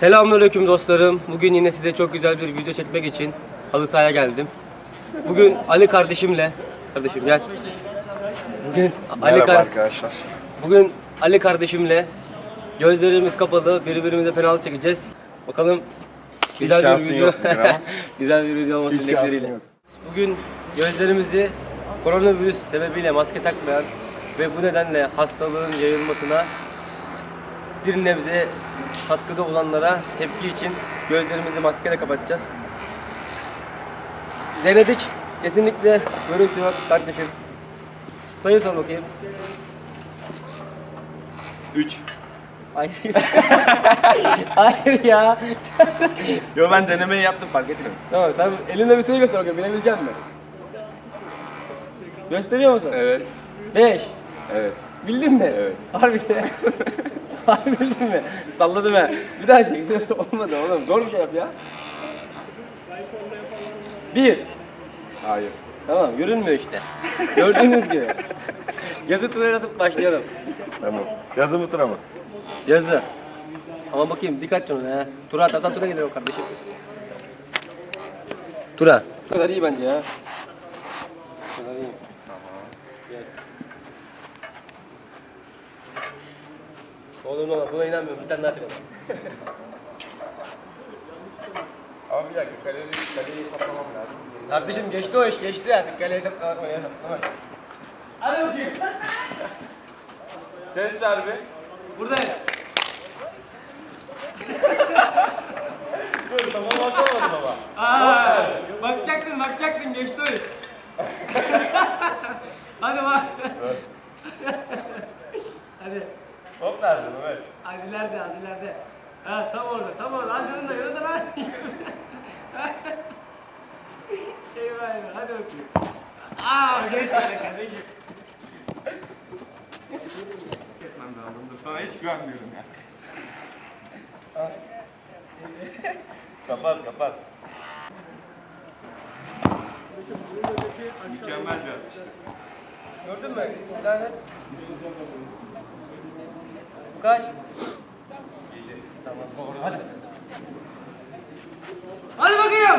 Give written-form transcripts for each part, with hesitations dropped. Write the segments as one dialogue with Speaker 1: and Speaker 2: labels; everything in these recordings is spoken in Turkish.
Speaker 1: Selamünaleyküm dostlarım. Bugün yine size çok güzel bir video çekmek için halı sahaya geldim. Bugün Ali kardeşim gel.
Speaker 2: Arkadaşlar.
Speaker 1: Bugün Ali kardeşimle gözlerimiz kapalı birbirimize penaltı çekeceğiz. Bakalım güzel bir
Speaker 2: şansın
Speaker 1: video.
Speaker 2: yok bugün ama.
Speaker 1: Güzel bir video olması
Speaker 2: Hiç
Speaker 1: dilekleriyle.
Speaker 2: şansın yok.
Speaker 1: Bugün gözlerimizi koronavirüs sebebiyle maske takmayan ve bu nedenle hastalığın yayılmasına bir nebze katkıda olanlara tepki için gözlerimizi maskeyle kapatacağız. Denedik. Kesinlikle görüntü yok kardeşim. Sayı sor bakayım.
Speaker 2: 3.
Speaker 1: Hayır. Hayır ya.
Speaker 2: Yo, ben denemeyi yaptım, fark etmiyorum.
Speaker 1: Tamam, sen elinde bir sayı göster bakayım, bilebilecek misin? Gösteriyor musun?
Speaker 2: Evet.
Speaker 1: 5.
Speaker 2: Evet.
Speaker 1: Bildin mi?
Speaker 2: Evet.
Speaker 1: Harbiden. Harbi bildin mi? Salladım ha. Bir daha çek. Olmadı oğlum. Zor bir şey yap ya. 1.
Speaker 2: Hayır.
Speaker 1: Tamam, görünmüyor işte. Gördüğünüz gibi. Yazı turaya atıp başlayalım.
Speaker 2: Tamam. Yazı mı tura mı?
Speaker 1: Yazı. Ama bakayım dikkat canına ha. Tura atarsan tura gelir o kardeşim. Tura. Bu kadar iyi bence ya. Bu kadar iyi. Gel. Oğlum ama buna inanmıyorum. Bir tane daha atalım.
Speaker 2: Abi bir dakika, kaleyi saplamam lazım.
Speaker 1: Kardeşim geçti o iş, geçti artık. Kaleye takla oynayalım. Tamam. Hadi bakayım.
Speaker 2: Ses ver be.
Speaker 1: Buradayım.
Speaker 2: Dur, tamam, bakamadım ama.
Speaker 1: Bakacaktın geçti o iş. Hadi bak. Hadi.
Speaker 2: Top nerede Mehmet?
Speaker 1: Az ileride. Ha tam orada. Az yanında lan. Eyvah. Hadi bakayım. Geç böyle kardeşim.
Speaker 2: Etmem lazım. Dur, sana hiç güvenmiyorum ya. Kapat. Mükemmel bir atış.
Speaker 1: Gördün mü? Lanet. Bu kaç? Tamam doğru. Hadi bakayım.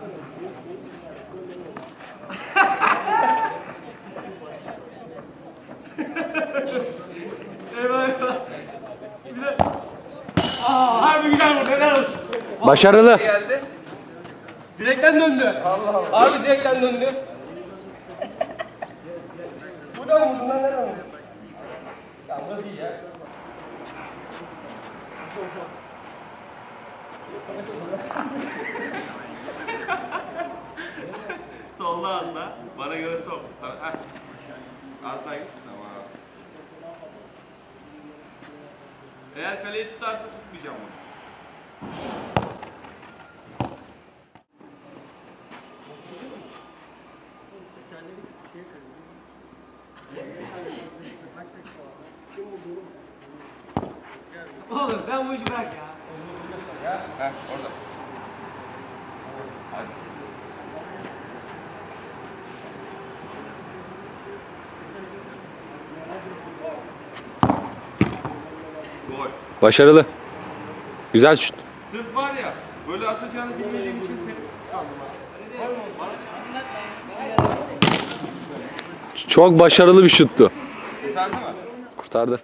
Speaker 1: Eyvah. Bir de. Harbi güzel vurdu. Helal olsun.
Speaker 3: Başarılı.
Speaker 1: Geldi. Direkten döndü. Allah. Harbi direkten döndü. Buradan vurdun lan, nereden vurdun? Ya burası iyi ya.
Speaker 2: Solla atla. Bana göre sol. Sana, heh. Az daha git. Tamam. Eğer kaleyi tutarsa tutmayacağım onu.
Speaker 1: Oğlum sen bu işi bırak ya.
Speaker 2: Heh, orada. Hadi. Gol.
Speaker 3: Başarılı. Güzel şut.
Speaker 2: Sırf var ya, böyle atacağını bilmediğim için tepkisiz sandım ha. Gol mü oldu? Bana çarptı.
Speaker 3: Çok başarılı bir şuttu.
Speaker 2: Kurtardı mı?
Speaker 3: Kurtardı.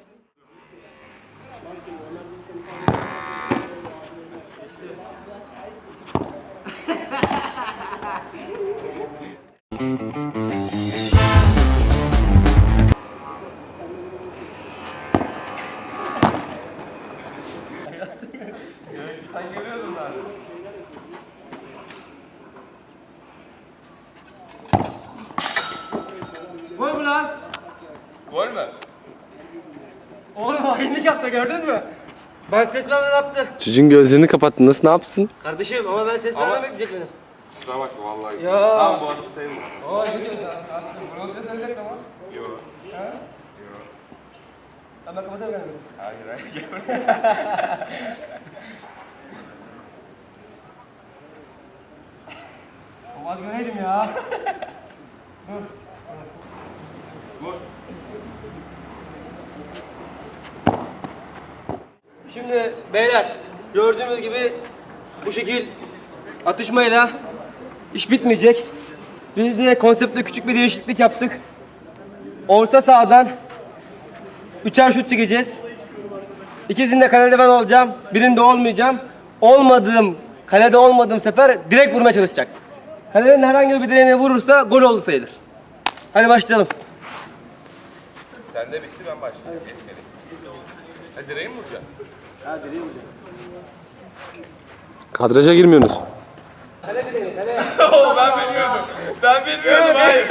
Speaker 2: Sen görüyordun abi.
Speaker 1: Gol mü lan?
Speaker 2: Gol mü?
Speaker 1: Oğlum hainlik yaptı, gördün mü? Ben ses vermeden attı.
Speaker 3: Çocuğun gözlerini kapattı. Nasıl, ne yapsın?
Speaker 1: Kardeşim ama ben ses
Speaker 2: Ama-
Speaker 1: vermem bekleyecek benim.
Speaker 2: Kusura bakma vallahi.
Speaker 1: Ya.
Speaker 2: Tamam, bu arada sayılır.
Speaker 1: Aa ne diyorsun? Burası dönecek ama.
Speaker 2: Yok.
Speaker 1: Ben kapatırım kendimi.
Speaker 2: Hayır.
Speaker 1: Olmaz göreydim ya.
Speaker 2: Gol.
Speaker 1: Şimdi beyler Gördüğümüz gibi bu şekil atışmayla iş bitmeyecek. Biz de konseptte küçük bir değişiklik yaptık. Orta sahadan üçer şut çekeceğiz. İkisinde kalede ben olacağım, birinde olmayacağım. Kalede olmadığım sefer direkt vurmaya çalışacak. Kalenin herhangi bir direğine vurursa gol oldu sayılır. Hadi başlayalım.
Speaker 2: Sen de bitti ben başlayayım. Geçmedim. Ha direği mi vuracaksın?
Speaker 1: Ha direği vuracağım.
Speaker 3: Kadraja girmiyorsunuz.
Speaker 1: Kale direği, kale.
Speaker 2: Ben bilmiyordum hayır.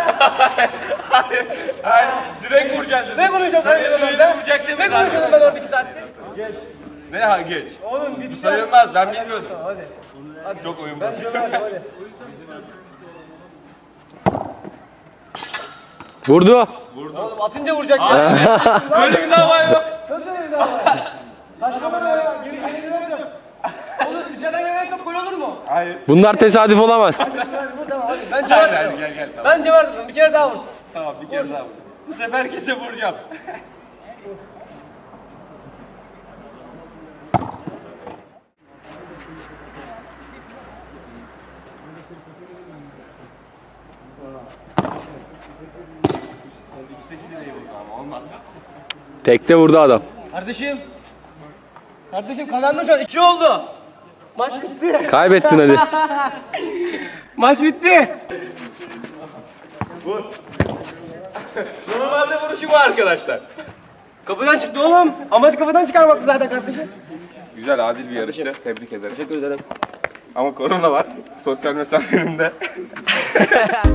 Speaker 2: Hayır. Direkt vuracaksın dedim.
Speaker 1: Ne konuşuyorsun kalede ben orada?
Speaker 2: Vuracak değil mi?
Speaker 1: Ne konuşuyorsun ben orada 2 saattir?
Speaker 2: Ne ha geç.
Speaker 1: Oğlum
Speaker 2: Bu sayılmaz ben bilmiyordum.
Speaker 1: Hadi.
Speaker 2: Çok oyun
Speaker 1: Ben
Speaker 2: bozucu.
Speaker 1: söylüyorum hadi.
Speaker 3: Vurdu.
Speaker 1: Oğlum atınca vuracak ya.
Speaker 2: Böyle bir dava yok.
Speaker 1: Nasıl öyle daha var? Saçma mı ya? Geri gidelim. Oğlum dışarıdan gelen top gol olur mu?
Speaker 2: Hayır.
Speaker 3: Bunlar tesadüf olamaz.
Speaker 1: Hadi vur tamam hadi. Bence var.
Speaker 2: Gel tamam.
Speaker 1: Bence vardır. Bir kere daha vur.
Speaker 2: Tamam bir kere daha vur. Bu sefer kese vuracağım. Olmaz.
Speaker 3: Tekte vurdu adam.
Speaker 1: Kardeşim kazandım şu an. 2 oldu. Maç bitti.
Speaker 3: Kaybettin hadi.
Speaker 1: Maç bitti.
Speaker 2: Normalde vuruşu bu arkadaşlar.
Speaker 1: Kapıdan çıktı oğlum. Amaç kapıdan çıkarmaktı zaten kardeşim.
Speaker 2: Güzel adil bir yarıştı. Tebrik ederim.
Speaker 1: Teşekkür ederim.
Speaker 2: Ama korona var. Sosyal mesafenin de